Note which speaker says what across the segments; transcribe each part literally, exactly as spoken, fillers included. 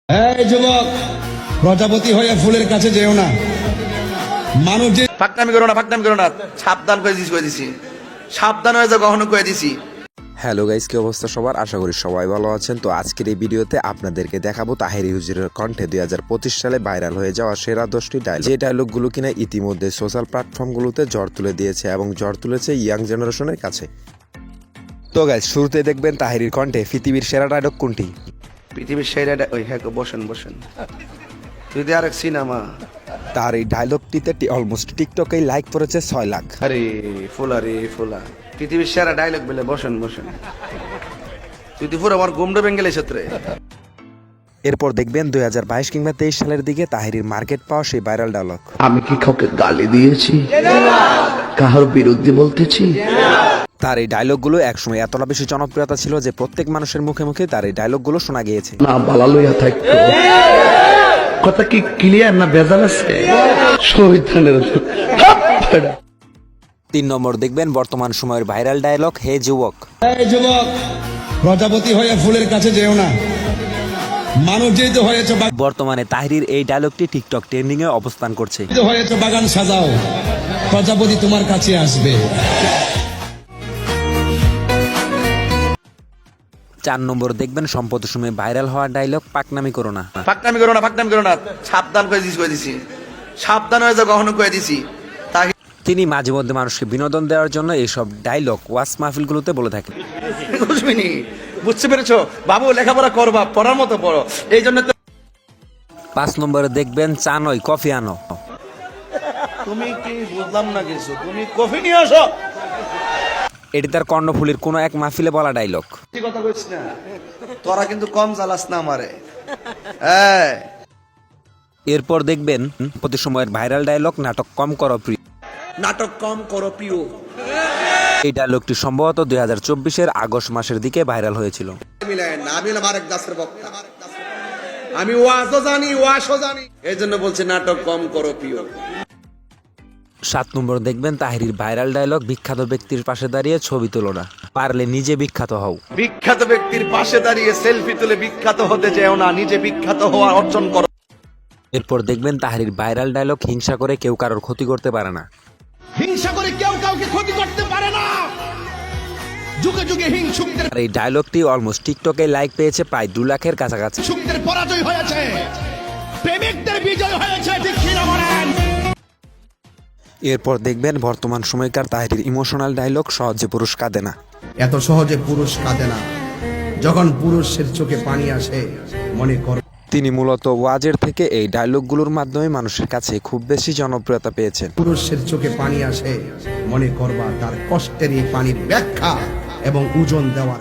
Speaker 1: এই যুবক, প্রজাপতি হয়ে ফুলের কাছে যেও না। মানুষ যে
Speaker 2: ফাঁকনামি করো না, ফাঁকনামি করো না, সাবধান করে দিছি, করে দিছি, সাবধান হয়ে যাও, কখনো করে দিছি।
Speaker 3: হ্যালো গাইস, কি অবস্থা সবার? আশা করি সবাই ভালো আছেন। তো আজকের এই ভিডিওতে আপনাদেরকে দেখাবো তাহেরি হুজুরের কণ্ঠে দুই হাজার পঁচিশ সালে ভাইরাল হয়ে যাওয়া সেরা দশটি ডায়লগ, যে ডায়লগগুলো কিনা ইতিমধ্যে সোশ্যাল প্ল্যাটফর্মগুলোতে ঝড় তুলে দিয়েছে এবং ঝড় তুলেছে ইয়াং জেনারেশনের কাছে। তো গাইস, শুরুতে দেখবেন তাহেরির কণ্ঠে পৃথিবীর সেরা ডায়লগ কোনটি।
Speaker 2: পৃথিবীর সেরা ওই হ্যাঁ, বসেন বসেন, যদি আরেক সিনেমা।
Speaker 3: তার এই ডায়লগটিতে অলমোস্ট টিকটকেই লাইক করেছে ছয় লাখ।
Speaker 2: আরে ফুলা রে ফুলা, পৃথিবীর সেরা ডায়লগ বলে বসেন বসেন, তুই তো পুরো আমার গুমডো বেঙ্গলের ক্ষেত্রে।
Speaker 3: এরপর দেখবেন দুই হাজার বাইশ কিংবা তেইশ সালের দিকে তাহেরির মার্কেট পাওয়া সেই ভাইরাল ডায়লগ।
Speaker 4: আমি কি কাউকে গালি দিয়েছি, কাহার বিরুদ্ধে বলতেছি?
Speaker 3: তার এই ডায়লগগুলো একসময় এতটা বেশি জনপ্রিয়তা ছিল যে প্রত্যেক মানুষের মুখে মুখে তার এই ডায়লগগুলো শোনা গিয়েছে।
Speaker 4: না বালা লইয়া থাকতো, কথা কি ক্লিয়ার না ভেজাল আছে? শহীদানের
Speaker 3: তিন নম্বর দেখবেন বর্তমান সময়ের ভাইরাল ডায়লগ, হে যুবক।
Speaker 1: এই যুবক, প্রজাপতি হয়ে ফুলের কাছে যেও না। মানুষ যেহেতু হয়েছে
Speaker 3: বর্তমানে তাহেরির এই ডায়লগটি টিকটক ট্রেন্ডিং এ অবস্থান করছে।
Speaker 1: হয়েছে বাগান সাজাও, প্রজাপতি তোমার কাছে আসবে।
Speaker 3: চার নম্বর দেখবেন সম্প্রতি সময়ে ভাইরাল হওয়া ডায়লগ, পাকনামি করো না।
Speaker 2: ফাঁকনামি করো না, ফাঁকনামি করো না, সাবধান করে দিছি, করে দিছি, সাবধান হয়ে যাও, কখনো করে দিছি। তাকে
Speaker 3: তিনি মাঝে মধ্যে মানুষকে বিনোদন দেওয়ার জন্য এইসব ডায়লগ ওয়াজ মাহফিলগুলোতে বলে থাকেন।
Speaker 2: বুঝবিনি, বুঝতে পেরেছো বাবু, লেখাপড়া করবা, পড়ার মতো পড়ো, এই জন্য তো।
Speaker 3: পাঁচ নম্বরে দেখবেন চা নয় কফি আনো।
Speaker 2: তুমি কি বুঝলাম না কিছু, তুমি কফি নিয়ে আসো।
Speaker 3: এটি তার কর্ণফুলীর কোনো এক মাহফিলে বলা ডায়লগ।
Speaker 2: কথা কইছ না, তোরা কিন্তু কম জ্বালাস না আমারে। হ্যাঁ,
Speaker 3: এরপর দেখবেন প্রতি সময়ের ভাইরাল ডায়লগ, নাটক কম করো প্রিয়।
Speaker 2: নাটক কম করো প্রিয়।
Speaker 3: এই ডায়লগটি সম্ভবত দুই হাজার চব্বিশের আগস্ট মাসের দিকে ভাইরাল হয়েছিল।
Speaker 2: আমি আরেক দাসের বক্তা, আমি ওয়াজও জানি, ওয়াশও জানি, এই জন্য বলছি নাটক কম করো প্রিয়।
Speaker 3: সাত নম্বর দেখবেন তাহেরির ভাইরাল ডায়লগ, বিখ্যাত ব্যক্তির পাশে দাঁড়িয়ে ছবি তোলো না, পারলে নিজে বিখ্যাত হও।
Speaker 2: বিখ্যাত ব্যক্তির পাশে দাঁড়িয়ে সেলফি তুলে বিখ্যাত হতে যেও না, নিজে বিখ্যাত হওয়া অর্জন করো।
Speaker 3: এরপর দেখবেন তাহেরির ভাইরাল ডায়লগ, হিংসা করে কেউ কারোর ক্ষতি করতে পারে না।
Speaker 1: হিংসা করে কেউ কাউকে ক্ষতি করতে পারে না। যুগে যুগে হিংসুকদের
Speaker 3: আর এই ডায়লগটি অলমোস্ট টিকটকে লাইক পেয়েছে প্রায় দু লাখের কাছাকাছি।
Speaker 1: হিংসুকদের পরাজয় হয়েছে, প্রেমিকদের বিজয় হয়েছে, ঠিক কি না বলেন?
Speaker 3: এরপর দেখবেন বর্তমান সময়কার তাহেরির ইমোশনাল ডায়লগ, সহজে পুরুষ কাঁদে না।
Speaker 5: এত সহজে পুরুষ কাঁদে না, যখন পুরুষের চোখে পানি আসে মনে কর।
Speaker 3: তিনি মূলত ওয়াজের থেকে এই ডায়লগগুলোর মাধ্যমে মানুষের কাছে খুব বেশি জনপ্রিয়তা পেয়েছেন।
Speaker 5: পুরুষের চোখে পানি আসে মনে করবা তার কষ্টের এই পানির ব্যাখ্যা এবং ওজন দেওয়ার।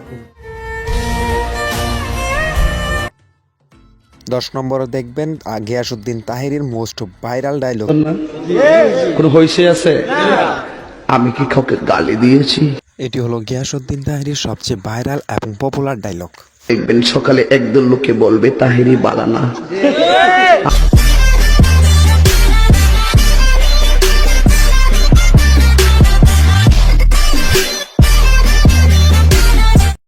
Speaker 3: দশ নম্বরে দেখবেন গিয়াসউদ্দিন তাহেরির মোস্ট ভাইরাল ডায়লগ,
Speaker 4: কোন হইছে আছে? আমি কি কাউকে গালি দিয়েছি?
Speaker 3: এটি হলো গিয়াসউদ্দিন তাহেরির সবচেয়ে ভাইরাল এবং পপুলার ডায়লগ।
Speaker 4: দেখবেন সকালে একদল লোকে বলবে তাহেরি বালানা।